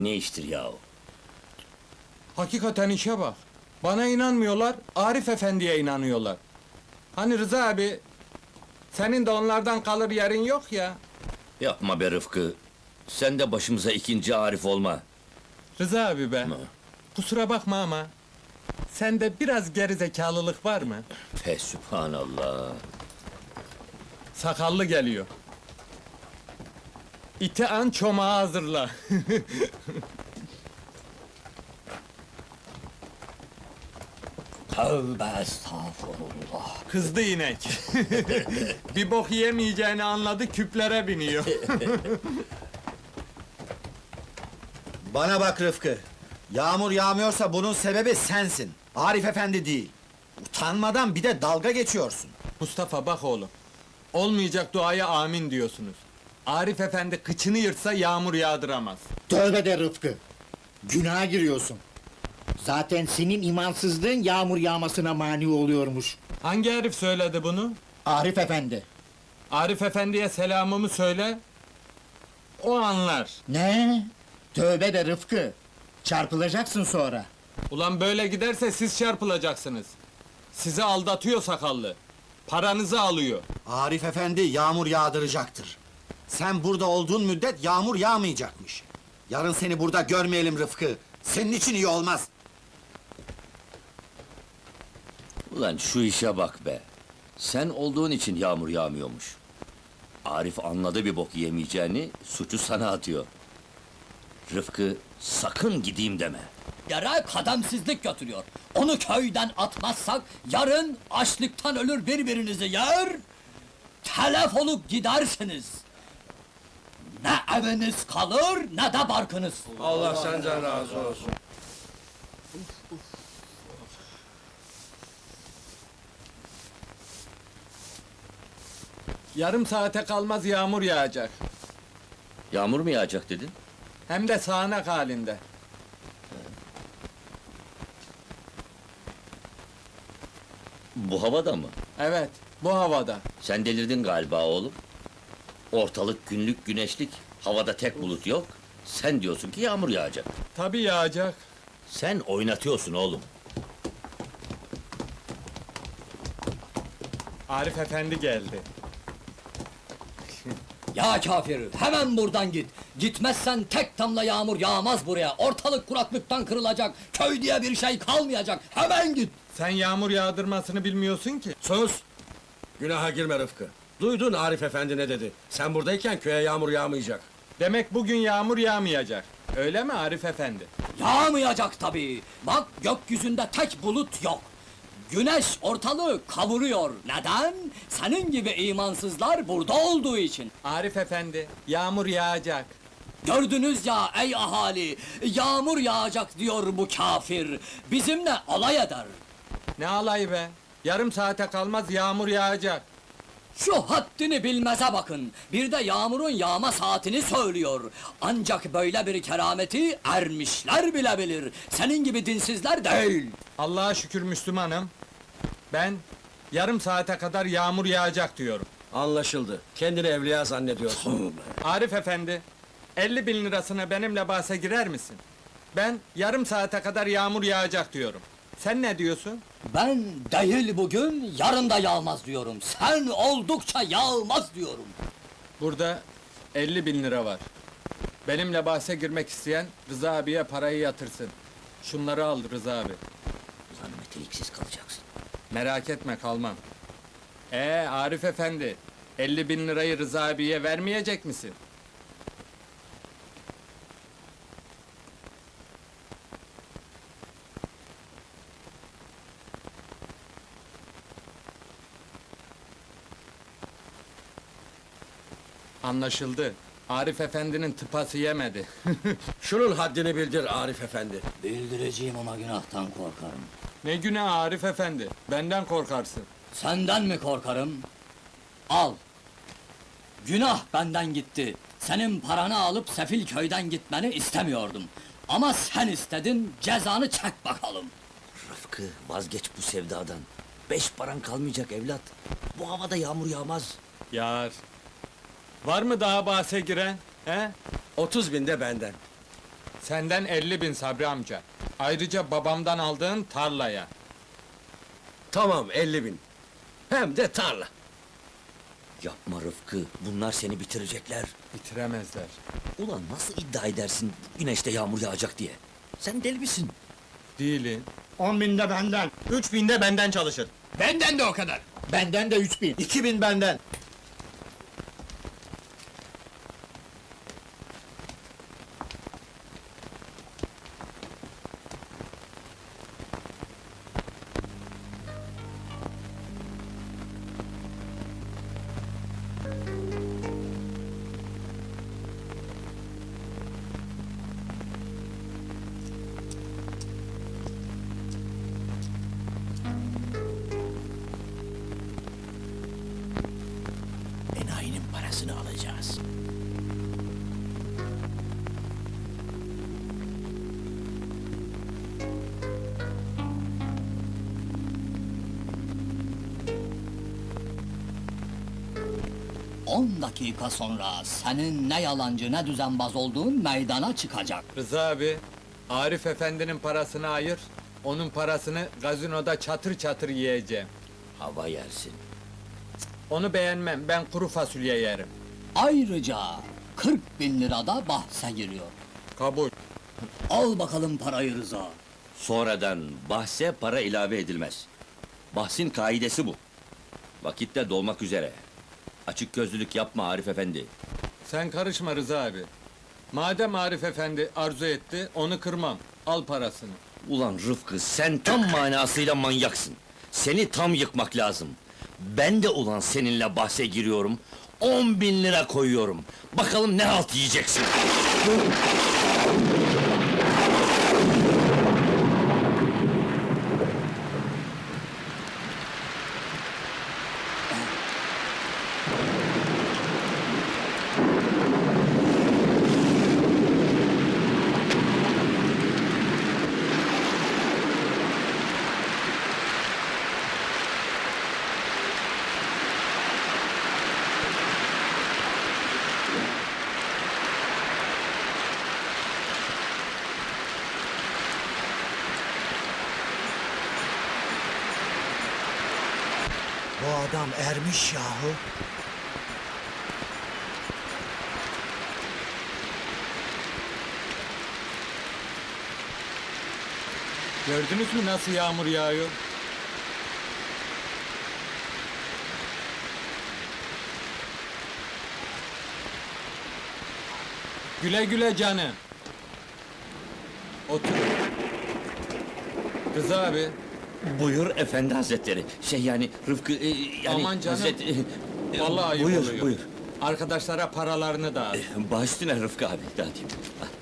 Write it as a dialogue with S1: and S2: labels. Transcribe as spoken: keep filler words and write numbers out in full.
S1: Ne iştir yahu?
S2: Hakikaten işe bak. Bana inanmıyorlar, Arif Efendi'ye inanıyorlar. Hani Rıza abi, senin de onlardan kalır yerin yok ya.
S1: Yapma be Rıfkı. Sen de başımıza ikinci Arif olma.
S2: Rıza abi be,
S1: Hı.
S2: kusura bakma ama... ...sende biraz gerizekalılık var mı?
S1: Fe sübhanallah.
S2: Sakallı geliyor. İti an çomağı hazırla.
S1: Tövbe estağfurullah.
S2: Kızdı inek. Bir bok yemeyeceğini anladı, küplere biniyor.
S3: Bana bak Rıfkı, yağmur yağmıyorsa bunun sebebi sensin, Arif Efendi değil. Utanmadan bir de dalga geçiyorsun.
S2: Mustafa bak oğlum. Olmayacak duaya amin diyorsunuz. Arif Efendi kıçını yırtsa yağmur yağdıramaz.
S4: Tövbe de Rıfkı! Günaha giriyorsun. Zaten senin imansızlığın yağmur yağmasına mani oluyormuş.
S2: Hangi herif söyledi bunu?
S4: Arif Efendi.
S2: Arif Efendi'ye selamımı söyle. O anlar.
S4: Ne? Tövbe de Rıfkı! Çarpılacaksın sonra.
S2: Ulan böyle giderse siz çarpılacaksınız. Sizi aldatıyor sakallı. Paranızı alıyor.
S3: Arif Efendi yağmur yağdıracaktır. Sen burada olduğun müddet yağmur yağmayacakmış. Yarın seni burada görmeyelim Rıfkı, senin için iyi olmaz.
S1: Ulan şu işe bak be. Sen olduğun için yağmur yağmıyormuş. Arif anladı bir bok yemeyeceğini, suçu sana atıyor. Rıfkı, sakın gideyim deme.
S5: Yere kademsizlik götürüyor. Onu köyden atmazsak yarın açlıktan ölür birbirinizi yer, telef olup gidersiniz. Ne eviniz kalır ne de barkınız.
S6: Allah senden razı olsun.
S2: Yarım saate kalmaz yağmur yağacak.
S1: Yağmur mu yağacak dedin?
S2: Hem de sağanak halinde.
S1: Bu havada mı?
S2: Evet, bu havada.
S1: Sen delirdin galiba oğlum. Ortalık günlük güneşlik, havada tek bulut yok. Sen diyorsun ki yağmur yağacak.
S2: Tabii yağacak.
S1: Sen oynatıyorsun oğlum.
S2: Arif Efendi geldi.
S5: Ya kafir, hemen buradan git. Gitmezsen tek damla yağmur yağmaz buraya. Ortalık kuraklıktan kırılacak. Köy diye bir şey kalmayacak. Hemen git.
S2: Sen yağmur yağdırmasını bilmiyorsun ki.
S6: Sus! Günaha girme Rıfkı. Duydun Arif Efendi ne dedi? Sen buradayken köye yağmur yağmayacak.
S2: Demek bugün yağmur yağmayacak. Öyle mi Arif Efendi?
S5: Yağmayacak tabii. Bak gökyüzünde tek bulut yok. Güneş ortalığı kavuruyor. Neden? Senin gibi imansızlar burada olduğu için.
S2: Arif Efendi, yağmur yağacak.
S5: Gördünüz ya ey ahali, yağmur yağacak diyor bu kafir. Bizimle alay eder.
S2: Ne alayı be? Yarım saate kalmaz yağmur yağacak.
S5: Şu haddini bilmeze bakın. Bir de yağmurun yağma saatini söylüyor. Ancak böyle bir kerameti ermişler bile bilir. Senin gibi dinsizler değil.
S2: Allah'a şükür Müslümanım. Ben yarım saate kadar yağmur yağacak diyorum.
S6: Anlaşıldı. Kendini evliya zannediyorsun.
S2: Arif Efendi, elli bin lirasına benimle bahse girer misin? Ben yarım saate kadar yağmur yağacak diyorum. Sen ne diyorsun?
S5: Ben değil bugün, yarın da yağmaz diyorum. Sen oldukça yağmaz diyorum.
S2: Burada elli bin lira var. Benimle bahse girmek isteyen Rıza abiye parayı yatırsın. Şunları al Rıza abi.
S1: Ulan meteliksiz kalacaksın.
S2: Merak etme kalmam. Ee Arif Efendi, elli bin lirayı Rıza abiye vermeyecek misin? Anlaşıldı. Arif Efendi'nin tıpası yemedi.
S6: Şunun haddini bildir Arif Efendi.
S5: Bildireceğim ama günahtan korkarım.
S2: Ne günah Arif Efendi, benden korkarsın.
S5: Senden mi korkarım? Al! Günah benden gitti. Senin paranı alıp sefil köyden gitmeni istemiyordum. Ama sen istedin, cezanı çek bakalım.
S1: Rıfkı, vazgeç bu sevdadan. Beş paran kalmayacak evlat. Bu havada yağmur yağmaz.
S2: Yar. Var mı daha bahse giren? He?
S6: Otuz binde benden.
S2: Senden elli bin Sabri amca. Ayrıca babamdan aldığın tarlaya.
S6: Tamam, elli bin. Hem de tarla.
S1: Yapma Rıfkı, bunlar seni bitirecekler.
S2: Bitiremezler.
S1: Ulan nasıl iddia edersin güneşte yağmur yağacak diye? Sen deli misin?
S2: Değilim.
S4: On binde benden.
S7: Üç binde benden çalışır.
S5: Benden de o kadar.
S4: Benden de üç bin.
S3: İki bin benden.
S1: Enayinin parasını alacağız.
S5: On dakika sonra senin ne yalancı ne düzenbaz olduğun meydana çıkacak.
S2: Rıza abi, Arif efendinin parasını ayır. Onun parasını gazinoda çatır çatır yiyeceğim.
S1: Hava yersin.
S2: Onu beğenmem, ben kuru fasulye yerim.
S5: Ayrıca kırk bin lirada bahse giriyor.
S2: Kabul.
S5: Al bakalım parayı Rıza.
S1: Sonradan bahse para ilave edilmez. Bahsin kaidesi bu. Vakit de dolmak üzere. Açık gözlülük yapma Arif efendi.
S2: Sen karışma Rıza abi. Madem Arif efendi arzu etti, onu kırmam. Al parasını.
S1: Ulan Rıfkı, sen tam manasıyla manyaksın. Seni tam yıkmak lazım. Ben de ulan seninle bahse giriyorum. On bin lira koyuyorum. Bakalım ne halt yiyeceksin.
S3: Bu adam ermiş yahu.
S2: Gördünüz mü nasıl yağmur yağıyor? Güle güle canım. Otur. Rıza abi,
S1: Buyur efendi hazretleri. Şey yani Rıfkı e, yani
S2: Aman canım.
S1: hazret- e, e,
S2: vallahi ayıp
S1: buyur,
S2: oluyor.
S1: Buyur
S2: Arkadaşlara paralarını da al.
S1: Baş üstüne Rıfkı abi. Hadi.